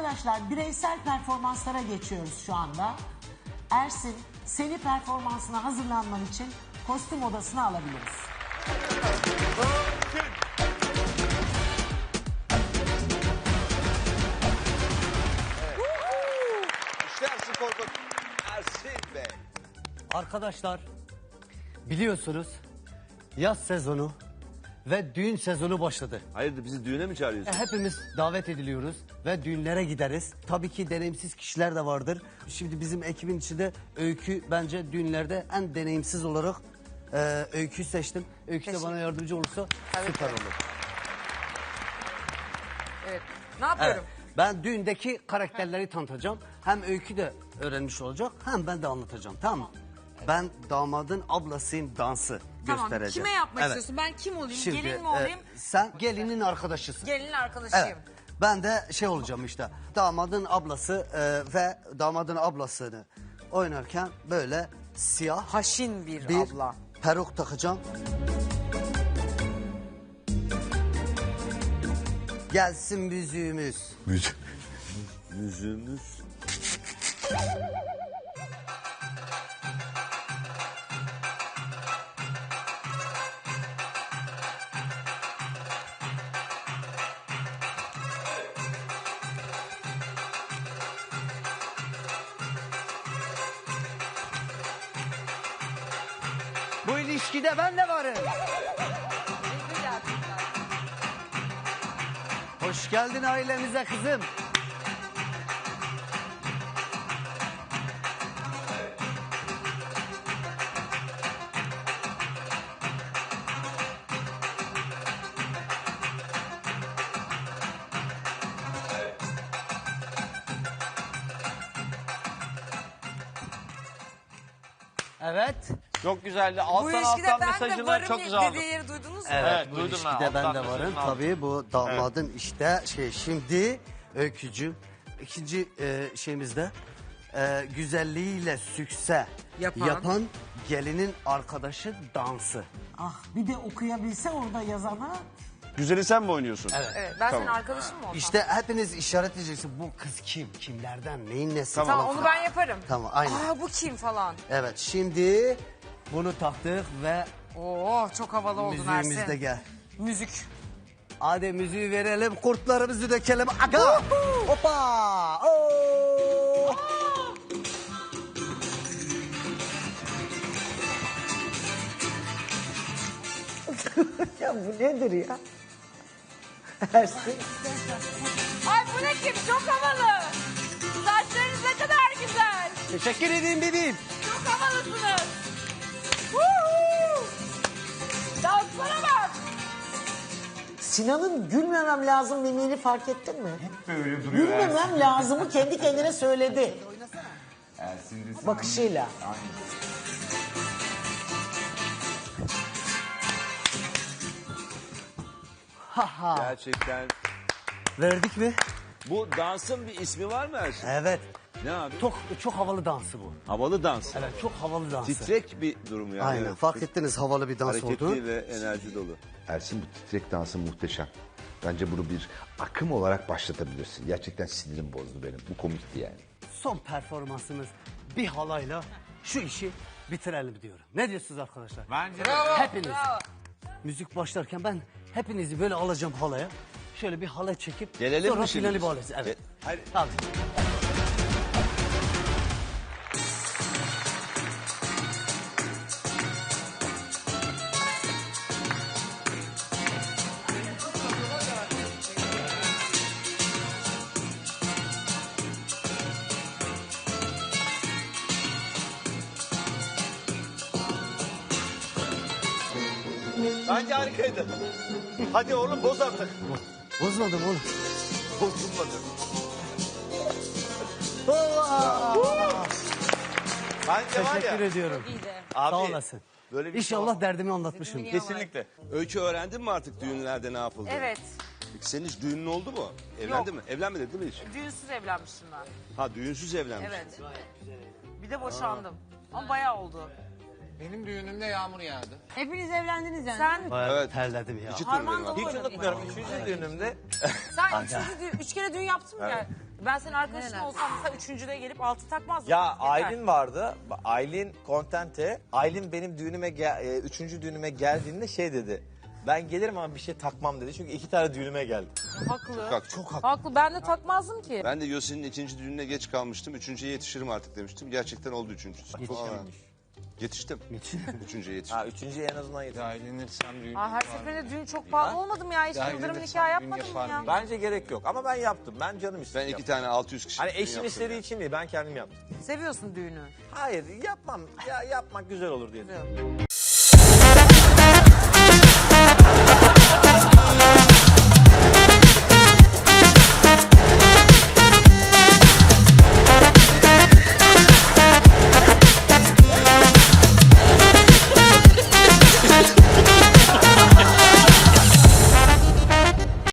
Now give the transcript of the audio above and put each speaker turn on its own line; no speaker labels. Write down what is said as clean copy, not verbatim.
Arkadaşlar bireysel performanslara geçiyoruz şu anda. Ersin, seni performansına hazırlanman için kostüm odasına alabiliriz.
İşte Ersin Korkut. Ersin Bey.
Arkadaşlar biliyorsunuz yaz sezonu ve düğün sezonu başladı.
Hayırdır bizi düğüne mi çağırıyorsun?
Hepimiz davet ediliyoruz ve düğünlere gideriz. Tabii ki deneyimsiz kişiler de vardır. Şimdi bizim ekibin içinde Öykü bence düğünlerde en deneyimsiz olarak Öykü'yü seçtim. Öykü de bana yardımcı olursa süper olur.
Evet. Ne yapıyorum?
Evet, ben düğündeki karakterleri tanıtacağım. Hem Öykü de öğrenmiş olacak hem ben de anlatacağım, tamam mı? Ben damadın ablasıyım, dansı
Tamam.
göstereceğim.
Kime yapmak
Evet.
istiyorsun? Ben kim olayım?
Şimdi,
Gelin mi olayım?
sen gelinin arkadaşısın.
Gelinin arkadaşıyım.
Evet. Ben de şey olacağım işte. Damadın ablası ve damadın ablasını oynarken böyle siyah
Haşin bir abla.
peruk takacağım. Gelsin müziğimiz.
Yüzümüz.
Bu ilişkide ben de varım. Hoş geldin ailemize kızım. Evet.
Çok güzeldi.
Bu
Alttan
ilişkide
alttan
ben de
mesajını
varım
çok güzel aldım.
dediği yeri duydunuz mu?
Evet, bu
duydum ben.
ilişkide ben
Alttan
de varım.
mesajını aldım.
Tabii bu damadın işte şimdi Öykücüğüm. İkinci şeyimizde güzelliğiyle sükse yapan gelinin arkadaşı dansı.
Ah bir de okuyabilse orada yazana.
Güzeli sen mi oynuyorsun?
Evet. Ben senin arkadaşın mı olsam?
İşte hepiniz işaret edeceksiniz. Bu kız kim? Kimlerden? Neyin nesi?
Tamam.
Tamam
falan
onu
filan.
ben yaparım.
Tamam aynen.
Aa bu kim falan.
Evet şimdi bunu taktık ve
Oo çok havalı oldun
müziğimiz de
Ersin.
gel.
Müzik.
Hadi müziği verelim, kurtlarımızı dökelim. Aga! Hoppa! Oo!
Ya bu nedir ya? Ersin.
Ay bu ne kim? Çok havalı. Saçlarınız ne kadar güzel.
Teşekkür edeyim bebeğim.
Çok havalısınız. Woohoo! Danslara bak.
Sinan'ın gülmemem lazım mimiğini fark ettin mi? Hep böyle duruyor. Gülmemem lazımı kendi kendine söyledi. Bakışıyla.
Gerçekten.
Verdik mi?
Bu dansın bir ismi var mı Ersin?
Evet.
Ne abi?
Çok havalı dansı bu.
Havalı dans.
Evet, çok havalı dansı.
Titrek bir durum yani.
Aynen,
Evet.
fark ettiniz havalı bir dans
Hareketli
oldu.
ve enerji dolu.
Ersin bu titrek dansı muhteşem. Bence bunu bir akım olarak başlatabilirsin. Gerçekten sinirim bozdu benim. Bu komikti yani.
Son performansımız bir halayla şu işi bitirelim diyorum. Ne diyorsunuz arkadaşlar?
Bence
Hepiniz. Müzik başlarken ben hepinizi böyle alacağım halaya. Şöyle bir halay çekip
Gelelim
sonra
mi şimdi
finali
biz?
bağlayacağız. Evet.
Hayır.
Tabii.
Bence harikaydı. Hadi oğlum boz artık.
Bozmadım oğlum.
Bozulmadı. Bence var
Teşekkür
ya.
ediyorum.
Abi,
Sağ olasın.
Böyle bir
İnşallah derdimi anlatmışım.
Kesinlikle. Öykü öğrendin mi artık düğünlerde ne yapıldı?
Evet.
Peki senin hiç düğünün oldu mu? Evlendin mi? Evlenmedin değil mi hiç?
Düğünsüz evlenmiştim ben.
Ha düğünsüz evlenmiş.
Evet. Bir de boşandım. Ama bayağı oldu.
benim düğünümde yağmur yağdı.
Hepiniz evlendiniz yani. Sen
Bayağı
Evet.
terledim ya.
İki tur
harman
benim
dolu
abi.
Hiç
oynadın.
unutmuyorum. Üçüncü düğünümde
Sen 3 kere düğün yaptın mı? Yani?
Ben senin arkadaşın olsam mesela üçüncüde gelip altı takmazdım.
Ya
Yeter.
Aylin vardı. Aylin Kontente. Aylin benim düğünüme üçüncü düğünüme geldiğinde şey dedi. Ben gelirim ama bir şey takmam dedi. Çünkü 2 tane düğünüme geldi.
Haklı.
Çok haklı.
Haklı. Ben de takmazdım ki.
Ben de Yosin'in ikinci düğününe geç kalmıştım. Üçüncüye yetişirim artık demiştim. Gerçekten oldu üçüncüsü.
Yetişememiş.
Yetiştim. Üçüncüye yetiştim.
Ha üçüncüye en azından yeter.
Ya eğlenirsem düğün
Aa, her seferinde düğün çok pahalı olmadım ya. Hiç
Ya
yıldırım
eğlenirsem
nikah
düğün
yapmadım
yaparım
ya.
ya.
Bence gerek yok ama ben yaptım. Ben canım
Ben
istedim.
2 tane 600 kişi.
Hani eşim istediği için değil ben kendim yaptım.
Seviyorsun düğünü.
Hayır yapmam. Ya yapmak güzel olur diye düşünüyorum.